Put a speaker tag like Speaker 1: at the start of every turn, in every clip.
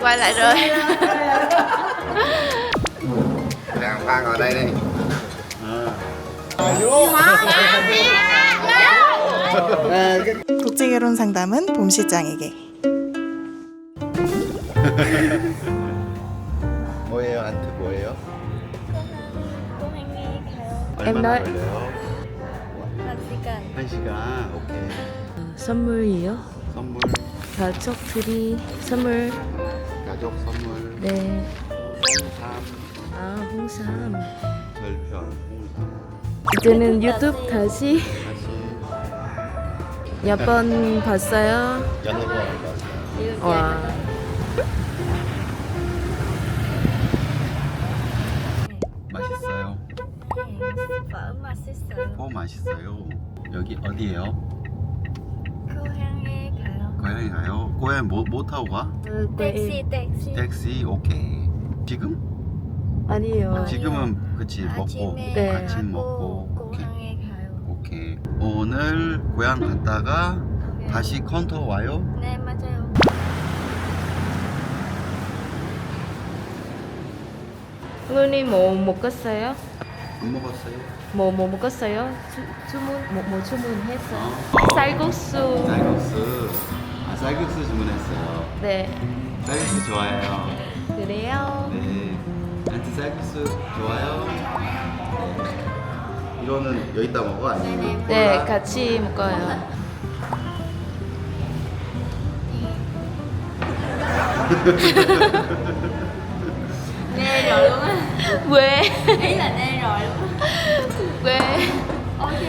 Speaker 1: quay lại rồi.
Speaker 2: Đang Phan ngồi đây đi.
Speaker 3: 국제결혼 상담은 봄 실장에게.
Speaker 2: 뭐예요? 안트 뭐예요?
Speaker 1: Em
Speaker 2: 얼마나
Speaker 1: nói-
Speaker 2: 걸려요? 1시간. 오케이.
Speaker 1: 선물이요?
Speaker 2: 선물,
Speaker 1: 가족들이 선물.
Speaker 2: 가족 선물,
Speaker 1: 네.
Speaker 2: 홍삼,
Speaker 1: 아, 홍삼.
Speaker 2: 절편, 홍삼.
Speaker 1: 이제는 유튜브 다시
Speaker 2: 다시
Speaker 1: 몇 번 봤어요?
Speaker 2: 여러 번 봤어요.
Speaker 1: 와.
Speaker 2: 맛있어요.
Speaker 4: phở 맛있어요.
Speaker 2: 오 맛있어요. 여기 어디예요?
Speaker 4: 고향에 가요.
Speaker 2: 고향에 가요? 고향 뭐 타고 가?
Speaker 4: 택시.
Speaker 2: 택시. 오케이. 지금?
Speaker 1: 아니요.
Speaker 2: 지금은 그치 먹고
Speaker 4: 아침에
Speaker 1: 네.
Speaker 2: 아침 먹고. 오케이.
Speaker 4: 고향에 가요.
Speaker 2: 오케이. 오늘 고향 갔다가
Speaker 4: 네.
Speaker 2: 다시 컨터 와요?
Speaker 4: 네 맞아요.
Speaker 1: 형님 뭐 먹었어요?
Speaker 2: 안 먹었어요?
Speaker 1: 뭐 먹었어요? 주문 뭐 주문했어요?
Speaker 2: 어.
Speaker 1: 쌀국수.
Speaker 2: 쌀국수. 쌀국수 주문했어요.
Speaker 1: 네.
Speaker 2: 쌀국수 좋아해요.
Speaker 1: 그래요?
Speaker 2: 네. 안트 쌀국수 좋아요? 네. 이거는 여기다 먹어 아니면
Speaker 1: 네,
Speaker 2: 콜라?
Speaker 1: 같이 먹어요.
Speaker 4: Nghe rồi luôn á.
Speaker 1: 왜?
Speaker 4: Ý là nghe rồi luôn á.
Speaker 1: 왜?
Speaker 4: Ok.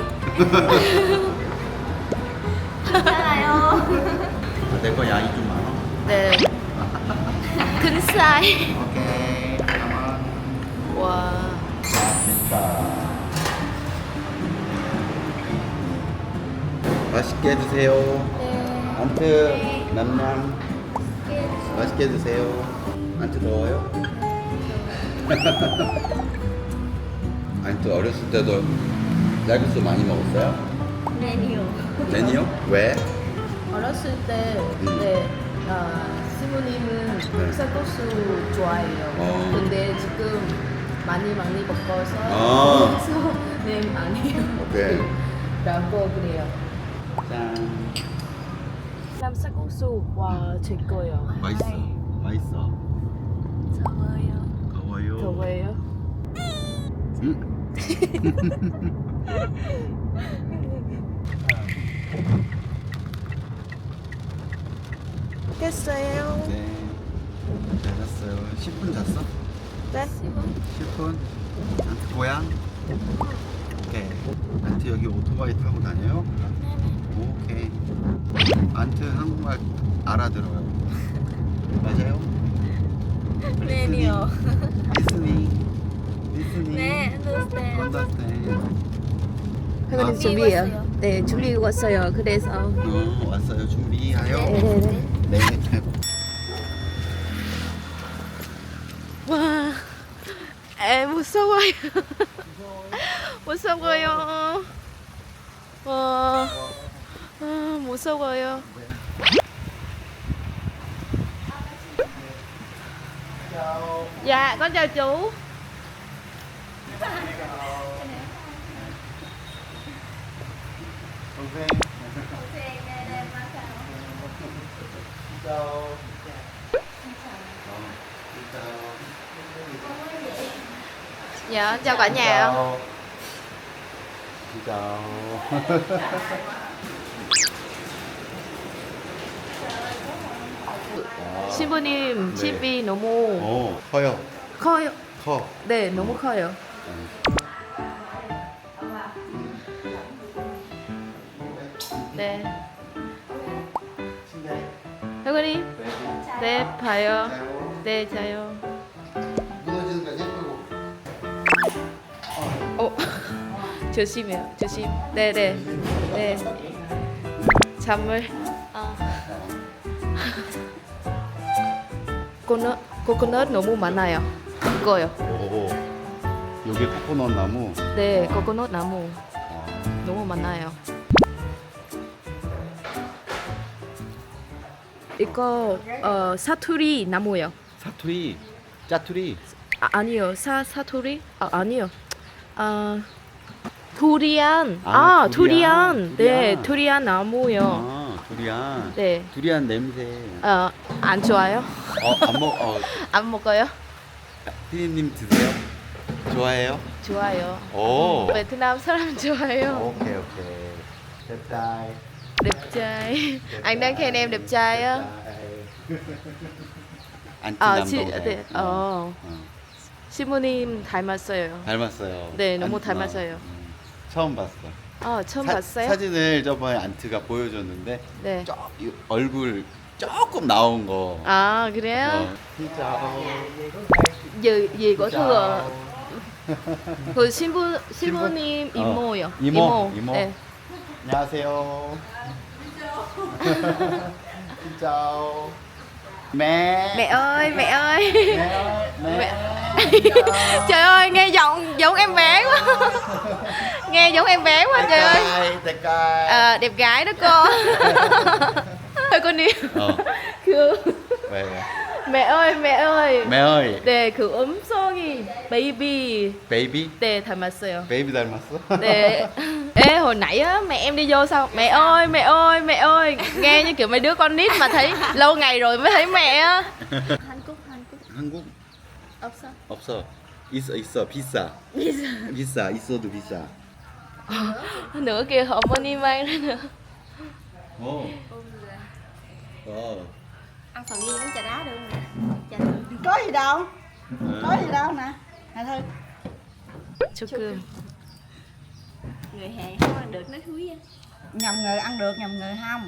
Speaker 4: 괜찮아요.
Speaker 2: 내 거 양이 좀 많아.
Speaker 1: 네. 큰 쌀.
Speaker 2: 오케이. 가만.
Speaker 1: 와.
Speaker 2: 맛있게 드세요.
Speaker 4: 네.
Speaker 2: 안트 남남 맛있게 드세요. 안트 더워요? 안트 어렸을 때도 쌀국수 많이 먹었어요?
Speaker 4: Menu.
Speaker 2: 아니요? 왜?
Speaker 1: 어렸을 때, 네, 시부님은
Speaker 2: 네.
Speaker 1: 쌀국수 좋아해요.
Speaker 2: 어.
Speaker 1: 근데 지금 많이 먹어서
Speaker 2: 아.
Speaker 1: 그래서 네 많이
Speaker 2: 오케이.
Speaker 1: 라고 그래요.
Speaker 2: 짠.
Speaker 1: 남 쌀국수 와 최고예요.
Speaker 2: 맛있어. 맛있어.
Speaker 4: 더워요.
Speaker 2: 더워요.
Speaker 1: 더워요.
Speaker 3: 깼어요.
Speaker 2: 네. 잘 잤어요. 10분 잤어?
Speaker 3: 네.
Speaker 2: 10분? 안트 고향? 오케이. 안트 여기 오토바이 타고 다녀요? 오케이. 안트 한국말 알아들어요. 맞아요?
Speaker 4: Menu.
Speaker 2: 리스닝.
Speaker 4: 네, understand.
Speaker 2: understand.
Speaker 1: 회원님
Speaker 2: 아.
Speaker 1: 준비해요.
Speaker 4: 왔어요.
Speaker 1: 네, 준비 왔어요. 그래서
Speaker 2: 왔어요. 준비하여.
Speaker 1: 네네네.
Speaker 2: 네.
Speaker 1: 와, 무서워요. 무서워요. 와, 무서워요. Dạ, con chào chú.
Speaker 2: 동생.
Speaker 1: Dạ, chào cả nhà.
Speaker 2: Xin chào.
Speaker 1: 신부님
Speaker 2: 네.
Speaker 1: 집이 너무
Speaker 2: 커요.
Speaker 1: 커요.
Speaker 2: 커.
Speaker 1: 네, 너무 커요. 네. 회원님, 네, 봐요. 네, 자요.
Speaker 2: 무너지는 거 예쁘고.
Speaker 1: 조심해요. 조심. 네, 네. 네. 잠을. 코코넛 너무 많아요. 이거요.
Speaker 2: 오. 여기 코코넛 나무.
Speaker 1: 네, 코코넛 나무
Speaker 2: 아,
Speaker 1: 너무 많아요. 이거 사투리 나무요.
Speaker 2: 사투리, 짜투리.
Speaker 1: 아니요. 사투리? 아니요. 두리안.
Speaker 2: 두리안.
Speaker 1: 두리안. 네,
Speaker 2: 두리안.
Speaker 1: 두리안 나무요.
Speaker 2: 두리안.
Speaker 1: 네.
Speaker 2: 두리안 냄새.
Speaker 1: 안 좋아요?
Speaker 2: 안
Speaker 1: 안 먹어요?
Speaker 2: 피디님 드세요? 좋아해요?
Speaker 1: 좋아요.
Speaker 2: 오.
Speaker 1: 베트남 사람 좋아해요.
Speaker 2: 오케이. đẹp trai.
Speaker 1: đẹp trai. Anh đang khen em đẹp trai á. 네. 시모님 닮았어요.
Speaker 2: 닮았어요.
Speaker 1: 네, 너무 닮았어요.
Speaker 2: 처음 봤어.
Speaker 1: 처음 봤어요?
Speaker 2: 사진을 저번에 안트가 보여줬는데
Speaker 1: 네.
Speaker 2: 얼굴 조금 나온 거.
Speaker 1: 그래요?
Speaker 2: 진짜.
Speaker 1: gì của Thư 그 신부님 이모요.
Speaker 2: 이모.
Speaker 1: 네.
Speaker 2: 안녕하세요. 진짜. Mẹ.
Speaker 1: Mẹ ơi, mẹ ơi.
Speaker 2: Mẹ.
Speaker 1: Trời ơi, nghe giọng giống em bé quá. Nghe giống em bé quá trời ơi.
Speaker 2: Đẹp trai.
Speaker 1: Đẹp gái đó cô. Thôi con đi. 그
Speaker 2: 왜?
Speaker 1: mẹ ơi, mẹ ơi.
Speaker 2: Mẹ ơi.
Speaker 1: 네, 그 음성이 베이비.
Speaker 2: 베이비?
Speaker 1: 네, 닮았어요.
Speaker 2: 베이비 닮았어?
Speaker 1: 네. Ê, hồi nãy á mẹ em đi vô sao? Mẹ ơi, mẹ ơi, mẹ ơi. Nghe như kiểu mấy đứa con nít mà thấy lâu ngày rồi mới thấy mẹ á.
Speaker 4: 한국
Speaker 2: 한국?
Speaker 4: 없어.
Speaker 2: 없어. 있어. 비싸. 비싸. 있어도 비싸.
Speaker 1: Nữa kìa 어머니 mang ra nữa.
Speaker 4: Ăn phần gì uống trà đá được nè. Trà được.
Speaker 3: Có gì đâu. Có gì đâu nè. Nè Thư.
Speaker 1: 조금.
Speaker 4: Người Hàn không ăn được nói thúi á.
Speaker 3: Nhầm người ăn được, nhầm người không.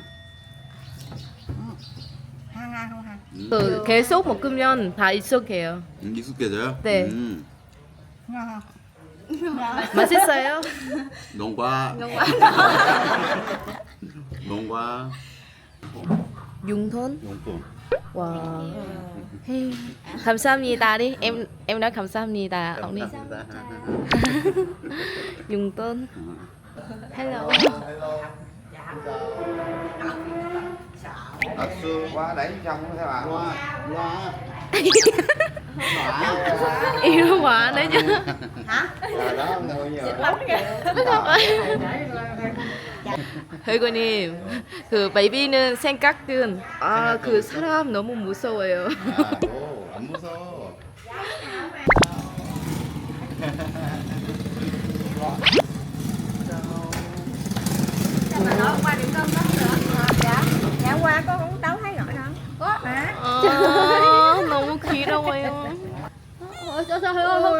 Speaker 3: ăn không hả?
Speaker 1: 그 계속 먹으면 다 익숙해요.
Speaker 2: 익숙해져요?
Speaker 1: 네.
Speaker 3: Ngon không?
Speaker 1: 맛있어요?
Speaker 2: 농과. 농과.
Speaker 1: 융돈?
Speaker 2: 용돈.
Speaker 1: 와. 헤이. 감사합니다 đi. Em nói 감사합니다. ông đi. 융돈. Hello.
Speaker 2: 악수.
Speaker 5: qua đẩy trong thế bạn
Speaker 2: 와.
Speaker 1: Yêu quá đấy chứ.
Speaker 5: rồi đó người nhiều
Speaker 1: 회고님, 그 베이비는 생각은 그 사람 너무 무서워요.
Speaker 2: 안 무서워.
Speaker 4: Mà nói qua điểm cơm đó nữa. Dạ qua có uống tấu thấy gọi đâu. Có hả?
Speaker 1: 너무 귀여워요.
Speaker 4: Trời ơi, không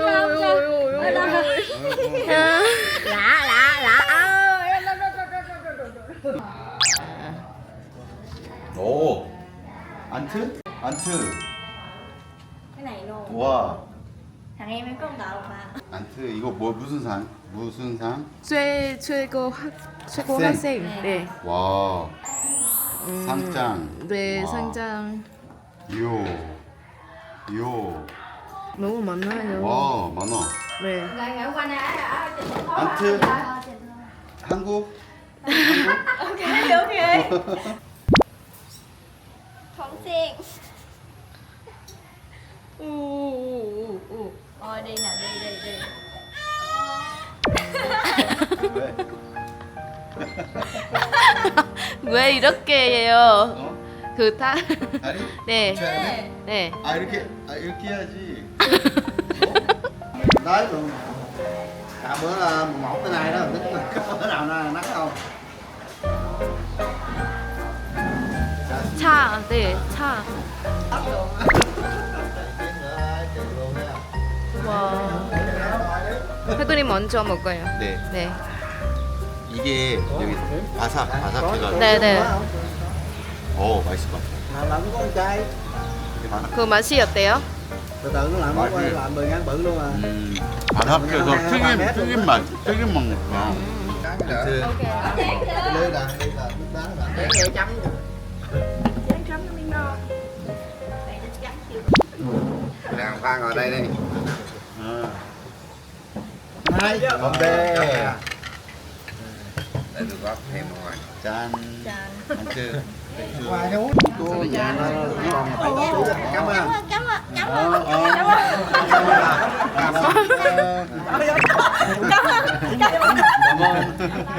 Speaker 4: sao. Lạ ơi.
Speaker 2: 오. 안트? 안트.
Speaker 4: Cái này luôn.
Speaker 2: 와.
Speaker 4: Thằng em có một tờ mà.
Speaker 2: 안트 이거 뭐 무슨 상? 무슨 상?
Speaker 1: 최고
Speaker 2: 학생.
Speaker 1: 학생. 네.
Speaker 2: 와. 상장.
Speaker 1: 네,
Speaker 2: 와.
Speaker 1: 상장.
Speaker 2: 요.
Speaker 1: 너무 많아요.
Speaker 2: 와, 많아.
Speaker 1: 네.
Speaker 4: Qua nè.
Speaker 2: 안트. 한국.
Speaker 4: Ok. Không xiên. Thôi đi nè, đi.
Speaker 1: 왜 이렇게 해요?
Speaker 2: 어?
Speaker 1: 그 다.
Speaker 2: 다리?
Speaker 1: 네.
Speaker 2: 쳐야 돼?
Speaker 1: 네.
Speaker 2: 이렇게 해야지.
Speaker 5: tới luôn cả bữa một cái này đó tính có bữa nào nó nát không
Speaker 1: 차, 네, 차. 와. 회도님 먼저 먹어요.
Speaker 2: 네.
Speaker 1: 네.
Speaker 2: 이게 여기 바삭해가지고.
Speaker 1: 네네.
Speaker 2: 맛있을 것 같아.
Speaker 5: làm có con trai
Speaker 1: 그 맛이 어때요?
Speaker 5: từ từ nó làm
Speaker 2: 맛이-
Speaker 5: làm 10 ngàn bự luôn à
Speaker 2: 바삭해서 튀김 맛 먹는
Speaker 5: cái lưới là đi là nước đá là
Speaker 4: Để chấm. Chấm nó miếng ngon. Để nó chấm chịu.
Speaker 5: đàn pha ngồi đây đi
Speaker 2: hai
Speaker 5: con bê để được góp thêm ngoài
Speaker 2: 짠
Speaker 4: Chà.
Speaker 2: 안트
Speaker 5: Quà cho út. Cô nhà nó ngon. Cảm ơn.
Speaker 4: Cảm ơn.
Speaker 5: Cảm ơn.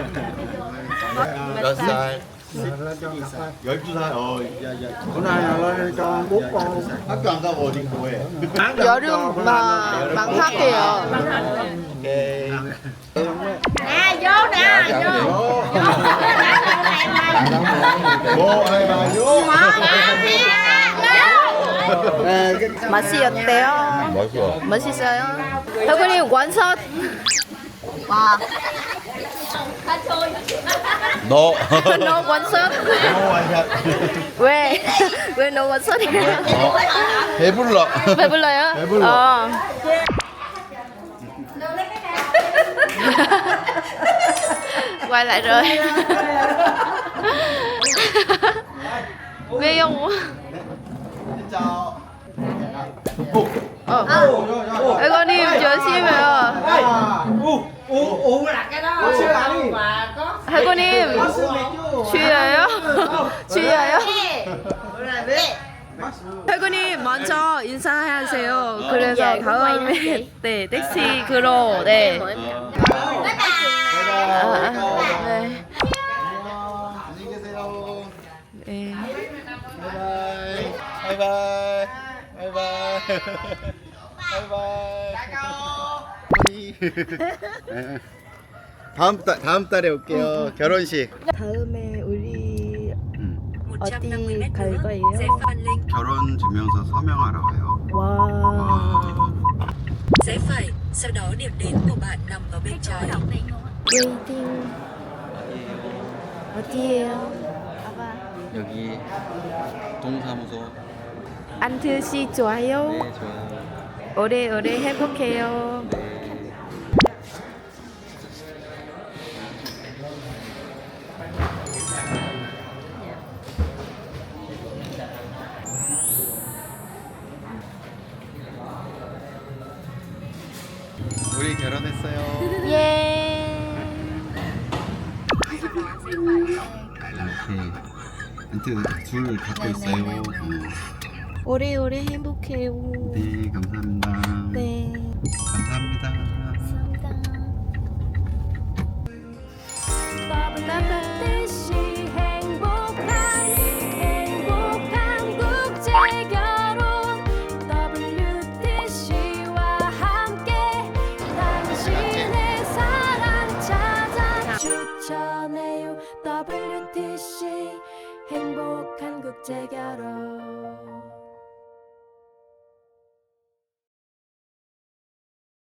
Speaker 2: 몇 살?
Speaker 5: Lên cho cặp thôi.
Speaker 2: 12살.
Speaker 5: Bữa nay là lên cho 4 con.
Speaker 2: 학교 안 가고 어디 공부해?
Speaker 1: 여름 방학이에요.
Speaker 2: 오케이.
Speaker 4: Nè, vô nè, vô.
Speaker 2: 뭐, 아이, 마요?
Speaker 1: 맛이 어때요?
Speaker 2: 맛있어.
Speaker 1: 맛있어요? 혜군님 원샷. 와.
Speaker 2: 너.
Speaker 1: 너 원샷?
Speaker 2: 완샷.
Speaker 1: 왜? 왜 너 원샷이야?
Speaker 2: 배불러.
Speaker 1: 배불러요?
Speaker 2: 배불러.
Speaker 1: Quay lại rồi. Ghê không? 혜군님 조심해요. 혜군님 취해요? 취해요? 혜군님 먼저 인사하세요. 그래서 다음에 네 택시로 네. 네.
Speaker 2: 안녕히 계세요.
Speaker 1: 네.
Speaker 2: 바이바이. 바이바이. 바이바이. 다음 달에 올게요. 결혼식.
Speaker 1: 다음에 우리 어디 갈 거예요?
Speaker 2: 결혼 증명서 서명하러 가요.
Speaker 1: 와.
Speaker 6: Rẽ phải, sau đó điểm đến của bạn nằm ở bên trái.
Speaker 1: 웨이팅. 어디예요?
Speaker 2: 여기 동사무소.
Speaker 1: 안트 씨 좋아요?
Speaker 2: 네, 좋아요.
Speaker 1: 오래오래 행복해요.
Speaker 2: 우리 결혼했어요.
Speaker 1: 예.
Speaker 2: 이렇게 둘 갖고 있어요.
Speaker 1: 오래오래 행복해요.
Speaker 2: 네, 감사합니다.
Speaker 1: 네.
Speaker 2: 감사합니다.
Speaker 1: 감사합니다.